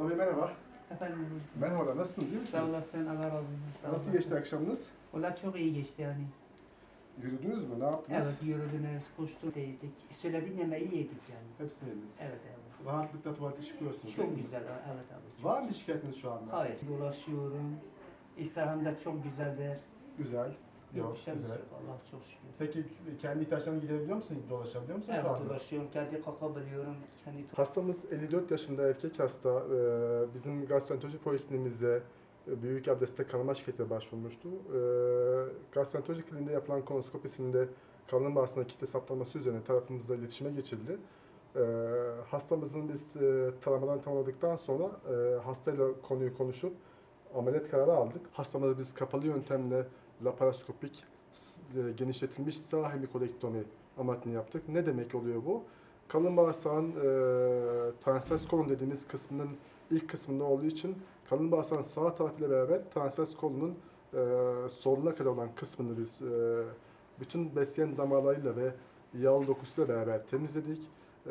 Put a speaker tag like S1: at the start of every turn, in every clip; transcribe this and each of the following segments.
S1: Tabii merhaba.
S2: Efendim hocam.
S1: Merhaba, nasılsınız, iyi
S2: Sağ
S1: misiniz?
S2: olasın, Allah razı olsun. Sağ
S1: Nasıl
S2: olasın.
S1: geçti akşamınız?
S2: Valla çok iyi geçti yani.
S1: Yürüdünüz mü, ne yaptınız?
S2: Evet, yürüdünüz, koştuk, yedik. Söylediğin yemeği yedik yani.
S1: Hepsini yediniz.
S2: Evet, evet.
S1: Rahatlıkla tuvalete çıkıyorsunuz. değil
S2: Çok
S1: mi?
S2: güzel, evet abi. Çok
S1: Var mı şikayetiniz şu anda?
S2: Hayır, dolaşıyorum. İstirham da çok güzeldir.
S1: Güzel.
S2: Yok, bir şey
S1: güzel.
S2: yok. Allah çok şükür.
S1: Peki kendi ihtiyaçlarını giderebiliyor musun, dolaşabiliyor musun şu
S2: Evet,
S1: anda?
S2: dolaşıyorum, kendi kalkabiliyorum.
S1: Hastamız 54 yaşında erkek hasta. Bizim gastroenteroloji polikliniğimize büyük abdestte kanama şikayetiyle başvurmuştu. Gastroenteroloji kliniğinde yapılan kolonoskopisinde kalın bağırsağında kitle saptaması üzerine tarafımızla iletişime geçildi. Hastamızın biz taramadan tamamladıktan sonra hastayla konuyu konuşup ameliyat kararı aldık. Hastamızı biz kapalı yöntemle laparoskopik genişletilmiş sağ hemikolektomi ameliyatını yaptık. Ne demek oluyor bu? Kalın bağırsağın transvers kolon dediğimiz kısmının ilk kısmında olduğu için kalın bağırsağın sağ tarafıyla beraber transvers kolonun soluna kadar olan kısmını biz bütün besleyen damarlarıyla ve yağlı dokusuyla beraber temizledik.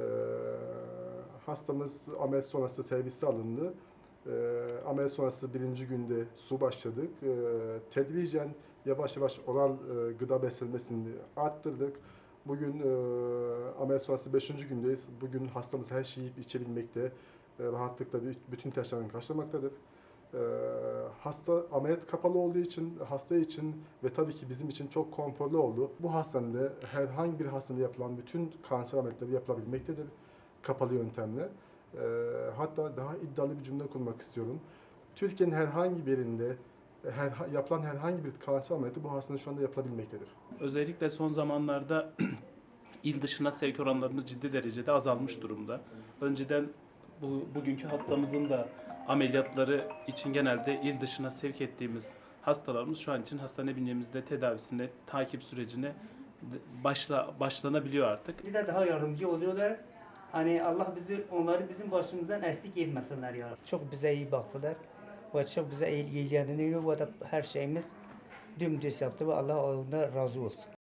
S1: Hastamız ameliyat sonrası servise alındı. Ameliyat sonrası birinci günde su başladık. Tedricen yavaş yavaş oral gıda beslenmesini arttırdık. Bugün ameliyat sonrası 5. gündeyiz. Bugün hastamız her şeyi yiyip içebilmekte, rahatlıkla bütün ihtiyaçlarını karşılamaktadır. Hasta ameliyat kapalı olduğu için, hasta için ve tabii ki bizim için çok konforlu oldu. Bu hastanede herhangi bir hastanede yapılan bütün kanser ameliyatları yapılabilmektedir kapalı yöntemle. Hatta daha iddialı bir cümle kurmak istiyorum. Türkiye'nin herhangi bir yerinde yapılan herhangi bir kanser ameliyatı bu hastanede şu anda yapılabilmektedir.
S3: Özellikle son zamanlarda il dışına sevk oranlarımız ciddi derecede azalmış durumda. Önceden bugünkü hastamızın da ameliyatları için genelde il dışına sevk ettiğimiz hastalarımız şu an için hastane bünyemizde tedavisine, takip sürecine başlanabiliyor artık.
S2: Bir de daha yardımcı oluyorlar. Hani Allah onları bizim başımızdan eksik etmesinler ya. Çok bize iyi baktılar. Ve çok bize ilgileniyor ve de her şeyimiz dümdüz yaptı ve Allah ondan razı olsun.